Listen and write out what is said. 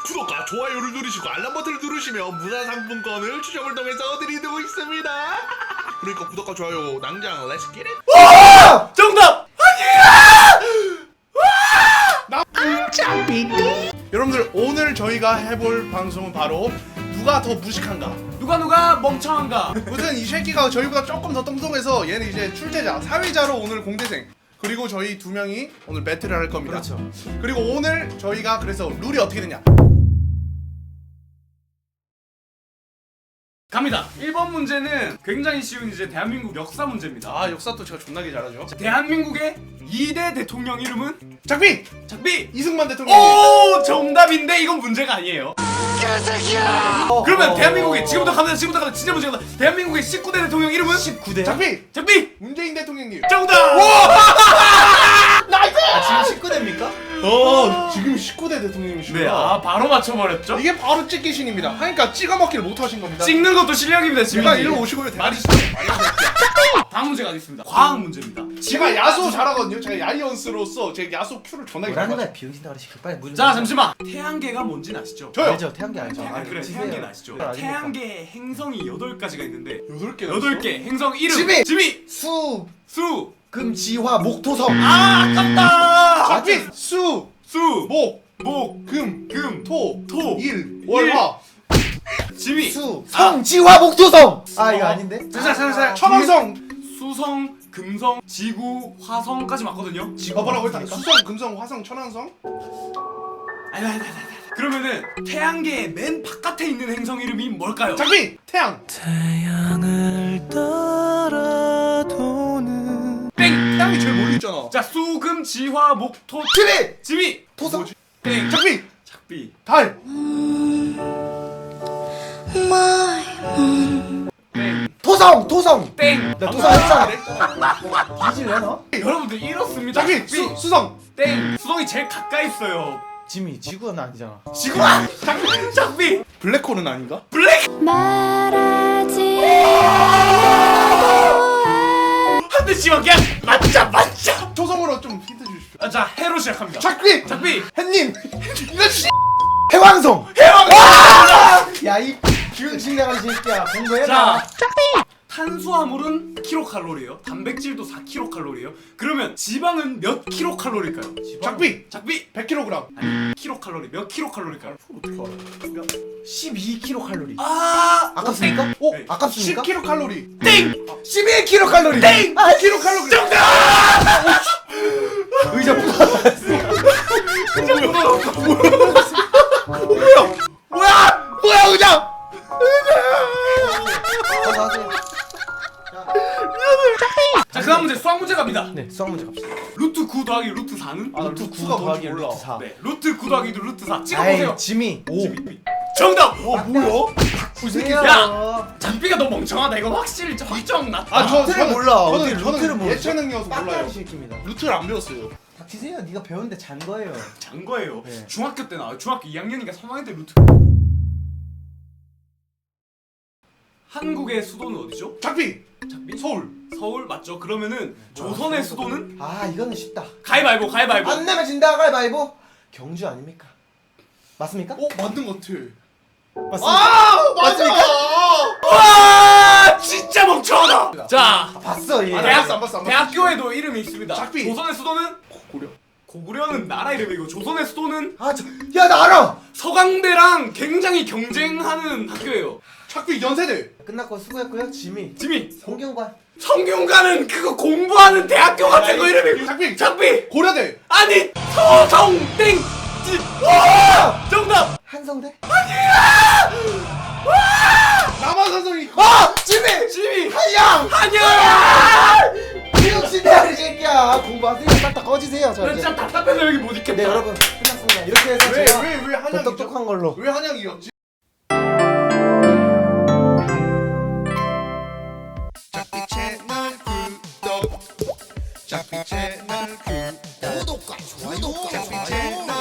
구독과 좋아요를 누르시고 알람 버튼을 누르시면 문화상품권을 추첨을 통해서 드리고 있습니다. 그러니까 구독과 좋아요 낭장 렛츠 기릿. 정답! 여러분들 오늘 저희가 해볼 방송은 바로 누가 더 무식한가. 누가 멍청한가? 무슨 이 새끼가 저희보다 조금 더 똥똥해서 얘는 이제 출제자, 사회자로 오늘 공대생. 그리고 저희 두 명이 오늘 배틀을 할 겁니다. 그렇죠. 그리고 오늘 저희가 그래서 룰이 어떻게 되냐? 갑니다. 1번 문제는 굉장히 쉬운 이제 대한민국 역사 문제입니다. 아, 역사도 제가 존나게 잘하죠. 대한민국의 2대 대통령 이름은? 작비! 작비! 이승만 대통령. 오! 정답인데 이건 문제가 아니에요. 그러면 대한민국의 지금부터 갑니다. 진짜 문제가 대한민국의 19대 대통령 이름은? 19대? 작비! 작비! 문재인 대통령님. 정답! 나이스! 아, 지금 19대입니까? 지금 19대 대통령이시구나. 네, 아 바로 맞춰버렸죠? 이게 바로 찍기신입니다. 그러니까 찍어 먹기를 못 하신 겁니다. 찍는 것도 실력입니다, 지금. 제가 일로 오시고요. 말이 다음 문제가 있습니다. 과학 문제입니다. 제가 야수 잘하거든요. 제가 야이언스로서 제 야수 큐를 존나게 뭐라는 잘하거든요. 거야 비용신다 그러시 빨리 문 자, 잠시만. 태양계가 뭔지는 아시죠? 저요. 알죠 태양계 알죠 그래, 주세요. 태양계는 아시죠? 그걸 아십니까? 태양계 행성이 8가지가 있는데 8개 8개 행성 이름 지미! 지미! 수 수! 금지화 목토성 아, 아깝다! 작비! 수! 수! 목! 목! 금! 금! 토! 토! 일! 월! 화! 지미! 수 성지화 목토성 아 이거 아닌데 자, 천왕성! 수성, 금성, 지구, 화성까지 맞거든요? 뭐라고 했다? 수성, 금성, 화성, 천왕성? 아니. 그러면은 태양계의 맨 바깥에 있는 행성 이름이 뭘까요? 작비! 태양! 태양을 따라도는 땡! 태양이 제일 멀리 있잖아. 자, 수, 금, 지, 화, 목, 토, 지미 지미! 토성 뭐지? 땡! 작비! 작비! 달! 토성 땡! 나 토성 했잖아 뒤질래 너 여러분들 이렇습니다. 작비! 수성! 땡! 수성이 제일 가까이 있어요. 지미 지구는 아니잖아 지구! 작비! 블랙홀은 아닌가? 블랙! 말하지 한 대씩만 그냥 맞자! 초성으로 좀 힌트 주십시오. 아, 자, 해로 시작합니다. 작비! 작비! 햇님! 이거 씨! 해왕성 해왕! 야이 비용신 나가리 새끼야 공부해라 자, 탄수화물은 킬로칼로리예요. 단백질도 4킬로칼로리예요. 그러면 지방은 몇 킬로칼로리일까요? 작비! 작비! 100kg. 아니, 킬로칼로리 몇 킬로칼로리일까요? 어떻게 알아? 12kcal 아! 아깝습니까? 어? 네. 아깝습니까? 10kcal. 땡! 11kcal 땡! 아, 킬로칼로리. 정답! 의자 뭐야 그냥! 자, 그 다음 문제 수학 문제 갑니다. 네 수학 문제 갑시다 루트 9 더하기 루트 4는? 아, 루트 루트 9 9가 더하기 뭔지 몰라. 루트 4 네, 루트 9 더하기 루트 4 찍어보세요. 아이 지미 5 정답! 뭐야? 야! 장비가 너무 멍청하다. 이거 확실히 확정 났다. 아, 루트를 몰라. 어떻게 저는 루트를 모르지? 예체능이어서 몰라요. 빡가는 새끼입니다 루트를 안 배웠어요. 닥치세요 네가 배우는데 잔 거예요 잔 거예요. 네. 중학교 때 나와요. 중학교 2학년이니까 3학년 때 루트. 한국의 수도는 어디죠? 작비! 작비? 서울. 서울 맞죠? 그러면은 조선의 수도는? 아 이거는 쉽다 가위바위보. 안 내면 진다 가위바위보 경주 아닙니까? 맞습니까? 맞는 것 같아. 맞습니까? 아! 맞습니까? 와! 진짜 멍청하다. 자, 봤어 얘 아, 대학, 안 봤어. 대학교에도 이름이 있습니다. 작비. 조선의 수도는? 고려. 고구려는 나라 이름이고 조선의 수도는 야나 알아! 서강대랑 굉장히 경쟁하는 학교예요. 작비 연세대. 끝났고 수고했고요 지미 지미. 성경관 성균관은 그거 공부하는 대학교 같은 거 이름이. 작비. 작비. 고려대. 아니 서성땡. 정답. 한성대? 남한산성이. 아! 지미! 지미. 한양! 한양. 비용신대야 이 새끼야 공부하세요 싹다 꺼지세요 자 이제 진짜 답답해서 여기 못 있겠다. 네 여러분 끝났습니다 이렇게 해서 제가 왜 더 한양이죠? 똑똑한 걸로 왜 한양이었지? 작비 채널 구독. 작비 채널 구독. 구독과 좋아요 작비 채널